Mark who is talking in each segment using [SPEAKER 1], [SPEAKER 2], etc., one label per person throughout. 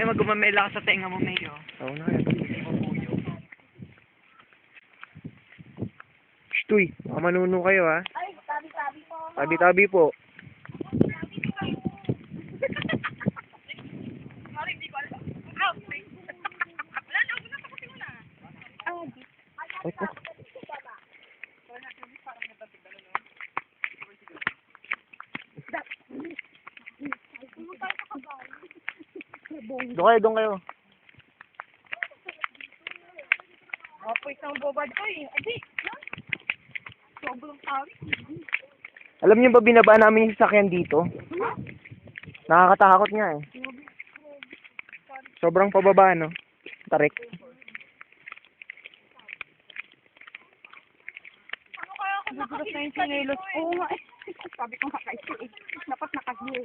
[SPEAKER 1] naman gumamela ka sa tenga mo, Mayo.
[SPEAKER 2] Oo na yan. Shtuy, baka manuno kayo ha.
[SPEAKER 3] Ay, tabi-tabi po.
[SPEAKER 2] Tabi-tabi po.
[SPEAKER 3] Sorry, hindi ko alam. Ah, okay. Wala na, wala pa kasi wala.
[SPEAKER 2] Ay po. Doon kayo.
[SPEAKER 3] Apo, isang bobad ko eh. Adi, sobrang tawi.
[SPEAKER 2] Alam niyo ba binaba namin yung sasakyan dito? Nakakatakot nga eh. Sobrang pababa, no? Tarik.
[SPEAKER 3] Ano kaya ako nakakita sa nilos? Oo nga eh. Sabi ko makaisi eh. Dapat nakahiyo.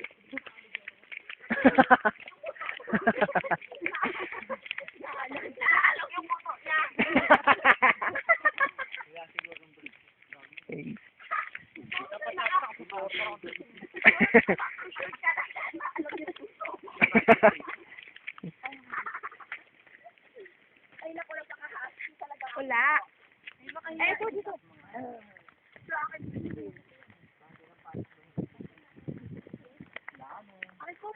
[SPEAKER 3] Naalog yung moto niya. Ay, naku, nagpakahasi talaga. Wala. Ay, ito dito. Ay, ko.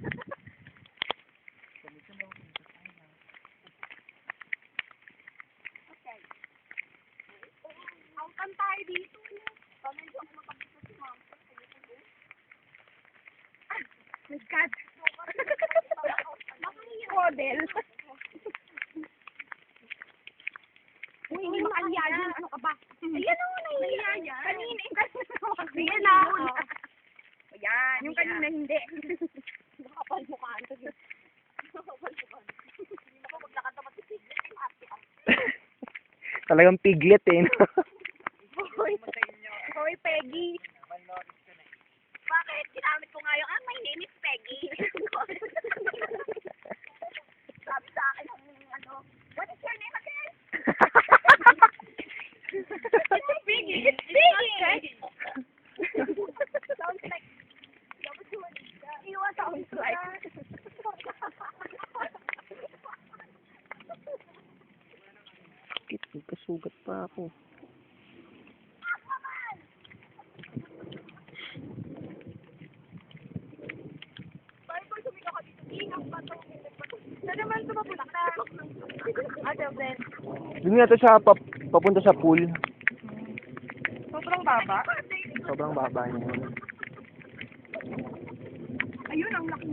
[SPEAKER 3] Okay. Ang kantay dito. Pamilya ako makabito si ma'am. My God. Model. Uy, hindi makaliyayan. Ano ka ba? Ayan o, nahihiyayan. Kanina yung kanina. Ayan na. Ayan. Yung kanina hindi. Nakapal mukhaan. Nakapal mukhaan. Hindi na ko maglakad naman si Piglet.
[SPEAKER 2] Talagang piglet eh. No?
[SPEAKER 3] Hoy, Peggy. Bakit? Ginamit ko nga yung, my name is Peggy. Sabi sa akin ng ano, what is your name again? Piggy. Piggy. Sounds like, sounds like.
[SPEAKER 2] Kasugat pa ako.
[SPEAKER 3] Saan naman ito mapulak na? Ano, Ben?
[SPEAKER 2] Doon nga to sa papunta sa pool.
[SPEAKER 3] Sobrang baba?
[SPEAKER 2] Sobrang baba niya.
[SPEAKER 3] Ayun, ang laki.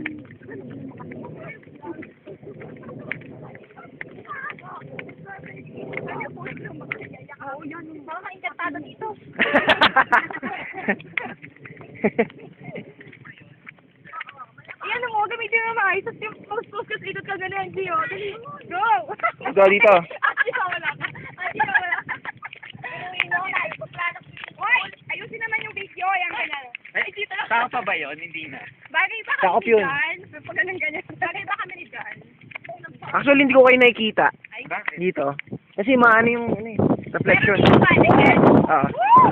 [SPEAKER 3] Oo, yan. Baka ma-encantado dito. Ayan mo, gamitin mo maayos at yung mag-focus ikot ka ganun, Gio. Dali, go!
[SPEAKER 2] Ikaw dito.
[SPEAKER 3] Ikaw wala ka. Ikaw wala ka. Hoy, ayusin naman yung video. Ayan, ganyan. Ay, dito lang.
[SPEAKER 1] Saka pa ba yun? Hindi na.
[SPEAKER 3] Bagay ba
[SPEAKER 2] Sakop
[SPEAKER 3] kami
[SPEAKER 2] yun.
[SPEAKER 3] ni Jan? Pag ganyan. Bagay ba kami ni Jan?
[SPEAKER 2] Actually, hindi ko kayo nakikita.
[SPEAKER 3] Ay,
[SPEAKER 1] Bakit?
[SPEAKER 2] Dito. Kasi maano yung ano, eh, reflection.
[SPEAKER 3] meron dito paligid.
[SPEAKER 2] Ah.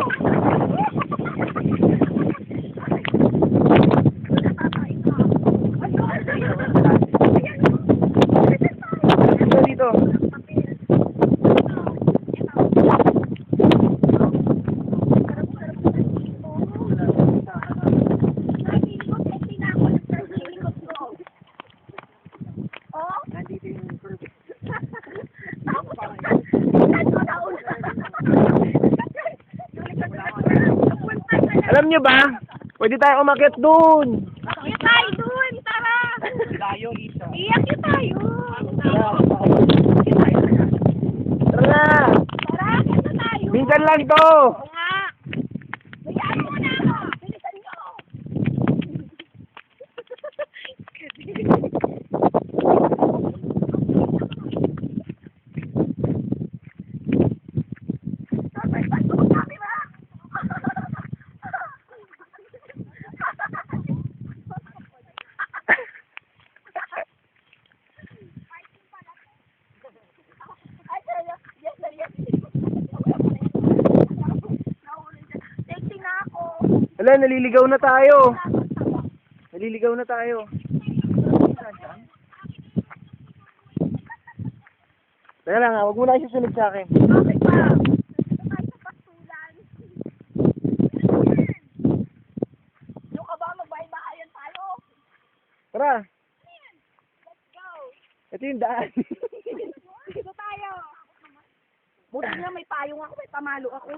[SPEAKER 2] Dito, dito. Alam nyo ba? Pwede tayo umakyat dun.
[SPEAKER 3] Akit tayo dun, tara!
[SPEAKER 1] Layo, isa.
[SPEAKER 3] Iakit tayo!
[SPEAKER 2] Tara na.
[SPEAKER 3] Tara, akit na tayo!
[SPEAKER 2] Minsan lang to.
[SPEAKER 3] Oo nga! Hayaan mo na ako! Bilisan nyo! Sabay pa ito ang camera! Ay, yes, yes. Texting na ako.
[SPEAKER 2] Wala, naliligaw na tayo. Naliligaw na tayo. Teka lang ha, huwag mo na kayo susunod sa akin.
[SPEAKER 3] Bakit ba? Ito tayo sa pastulan. Yung ka ba, magbahay-bahayan tayo?
[SPEAKER 2] Tara,
[SPEAKER 3] Let's go.
[SPEAKER 2] ito yung daan.
[SPEAKER 3] Dito tayo. Buti na may payong ako, may pamalo ako.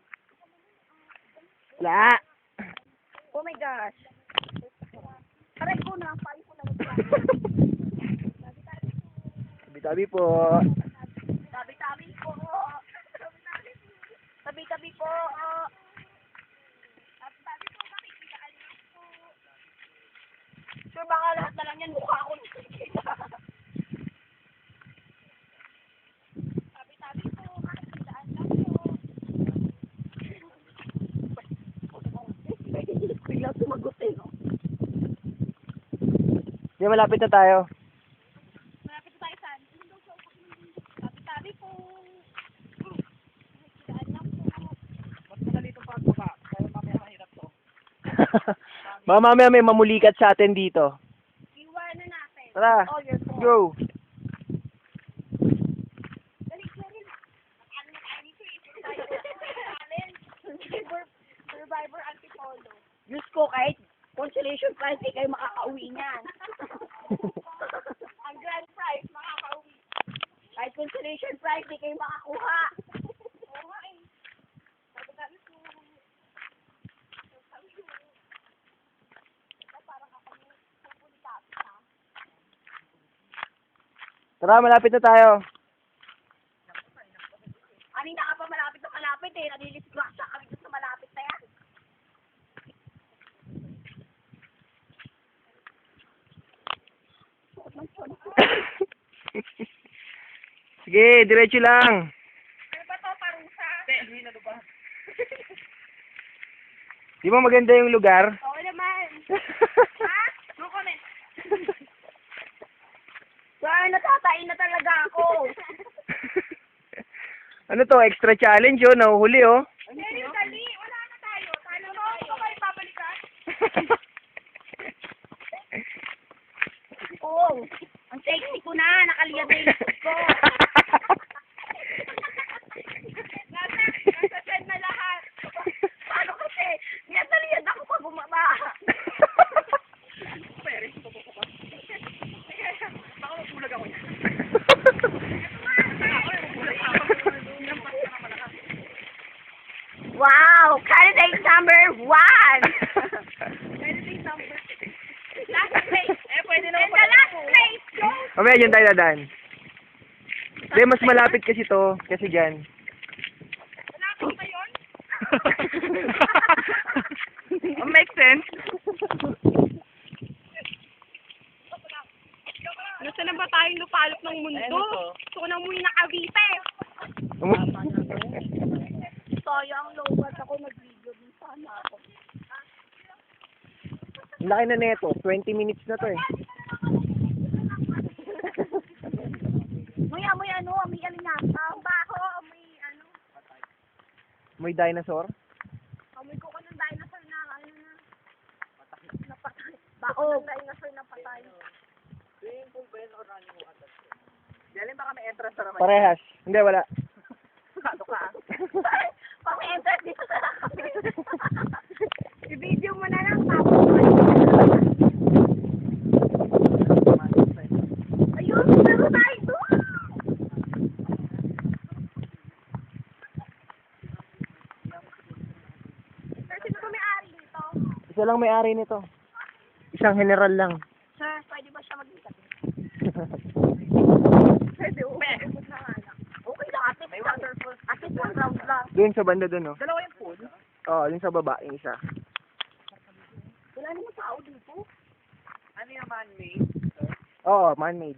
[SPEAKER 2] Wala.
[SPEAKER 3] Oh my gosh. Aray ko na, payong ko na.
[SPEAKER 2] Tabi-tabi po.
[SPEAKER 3] Tabi-tabi po. Tabi-tabi po. Tabi-tabi po, makikitaan niyo po. Sure, baka lahat na lang yan, mukha ako nakikita. Tabi-tabi po, makikitaan lang po. Biglang sumagot eh, no?
[SPEAKER 2] Hindi, malapit na tayo.
[SPEAKER 3] Malapit na tayo saan? Tabi-tabi po. Makikitaan lang po.
[SPEAKER 1] Mas madali itong pagbaba. Kaya mamaya mahirap to.
[SPEAKER 2] Baka mamaya may mamulikat sa atin dito.
[SPEAKER 3] Iwanan natin.
[SPEAKER 2] Tara,
[SPEAKER 3] Oh, your phone.
[SPEAKER 2] go.
[SPEAKER 3] Dali, dali. Ano na tayo dito eh? Challenge. Survivor Antipolo. Diyos ko, kahit consolation prize, di kayo makakauwi niyan. Ang grand prize, makakauwi. Kahit consolation prize, di kayo makakuha. Oo nga eh. Sabi ko. Parang ako pupulitas ha.
[SPEAKER 2] Tara, malapit na tayo.
[SPEAKER 3] Kanina ka pa malapit na malapit eh. Nalilisgrasya kami doon sa malapit na yan.
[SPEAKER 2] Sige, diretso lang.
[SPEAKER 3] Ano ba to, parusa?
[SPEAKER 1] Hindi na ba?
[SPEAKER 2] Di ba maganda yung lugar?
[SPEAKER 3] Oo naman. Ha? No comment. Sir, natatain na talaga ako.
[SPEAKER 2] Ano to, extra challenge oh, nahuhuli oh.
[SPEAKER 3] Dali, dali. Wala na tayo. Talo na tayo. Ito kayo babalikan? Oo. Ang sexy ko na. Nakaliyad na yung likod ko. Nasa send na lahat. Paano kasi? Niyad ako pag bumaba.
[SPEAKER 1] Baka mabulag ako niya.
[SPEAKER 3] Wow! Candidate number 1! Candidate number 2. Last place.
[SPEAKER 1] Pwede
[SPEAKER 3] And the last place goes...
[SPEAKER 2] Mamaya dyan tayo dadaan. Hindi, mas malapit kasi to, kasi dyan.
[SPEAKER 3] Malapit ba yun?
[SPEAKER 1] Makes sense.
[SPEAKER 3] Nasa na ba tayong lupalop ng mundo? Gusto ko nang muli na Cavite. Sayang, lowbat ako nag-video din sana ako.
[SPEAKER 2] Ang laki na neto, 20 minutes na to eh.
[SPEAKER 3] Amoy ano, amoy alinasa. Baho, amoy ano.
[SPEAKER 2] May dinosaur.
[SPEAKER 3] Amoy ko ng dinosaur na ano na. Napatay. Baho. Dinosaur na patay.
[SPEAKER 1] Swimming pool ba yun o running water? Diyan baka may entrance na naman.
[SPEAKER 2] Parehas. Hindi, wala.
[SPEAKER 1] Ano ka?
[SPEAKER 3] Pag may enter dito sa i-video mo na lang. Tapos ayun, pero tayo doon. Sir, sino ba may-ari nito?
[SPEAKER 2] Isa lang may-ari nito. Isang general lang.
[SPEAKER 3] Sir, pwede ba siya mag-ikat? Pwede, okay. Okay lang, at least waterfall. At least one round lang.
[SPEAKER 2] Doon sa banda doon, oh.
[SPEAKER 1] Dalawa yung pool?
[SPEAKER 2] Oo, doon sa baba, yung isa.
[SPEAKER 3] Wala naman tao dito.
[SPEAKER 1] Ano yung man-made?
[SPEAKER 2] Oo, man-made.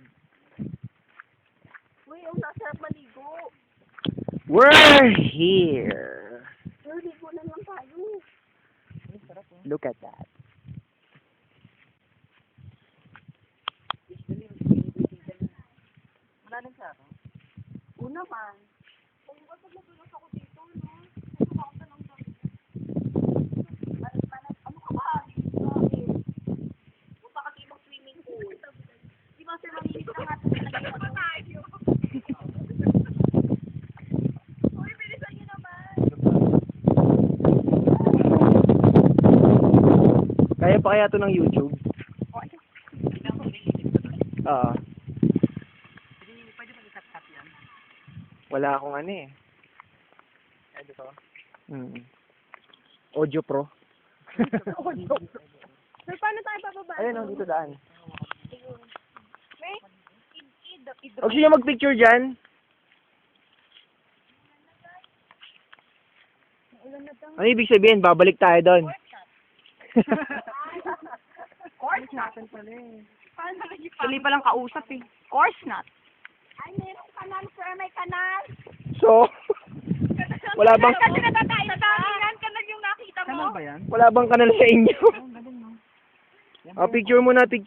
[SPEAKER 3] Uy, ang sasarap maligo.
[SPEAKER 2] We're here.
[SPEAKER 3] Sir, ligo na lang tayo.
[SPEAKER 2] Look at that.
[SPEAKER 1] Wala nang sa ako.
[SPEAKER 3] Una man. Kung ba pag nadulas ako dito, no? Kung ako ng dami. Ano ka ba? Kung baka ibang swimming pool. Di ba sir, malinis na nga. Ano ba tayo?
[SPEAKER 2] pa kaya to ng YouTube? Oo.
[SPEAKER 1] Pwede ba ikat-cut yan?
[SPEAKER 2] Wala akong ano eh.
[SPEAKER 1] Pwede to?
[SPEAKER 2] Audio Pro.
[SPEAKER 3] So, paano tayo bababa?
[SPEAKER 2] Ayun, oh, dito daan.
[SPEAKER 3] May?
[SPEAKER 2] Huwag siya mag-picture dyan. Ano ibig sabihin? Babalik tayo doon.
[SPEAKER 3] Course not.
[SPEAKER 1] Pala eh.
[SPEAKER 3] Paano nag-ipa?
[SPEAKER 4] Tuloy pa lang kausap eh. Course not.
[SPEAKER 3] Ay, merong kanal, sir. May kanal.
[SPEAKER 2] So, wala bang
[SPEAKER 3] Kasi natatayo. Sa damingan, kanal yung nakita mo.
[SPEAKER 1] Kanal ba yan?
[SPEAKER 2] wala bang kanal sa inyo?
[SPEAKER 1] Galing no?
[SPEAKER 2] Picture muna, picture.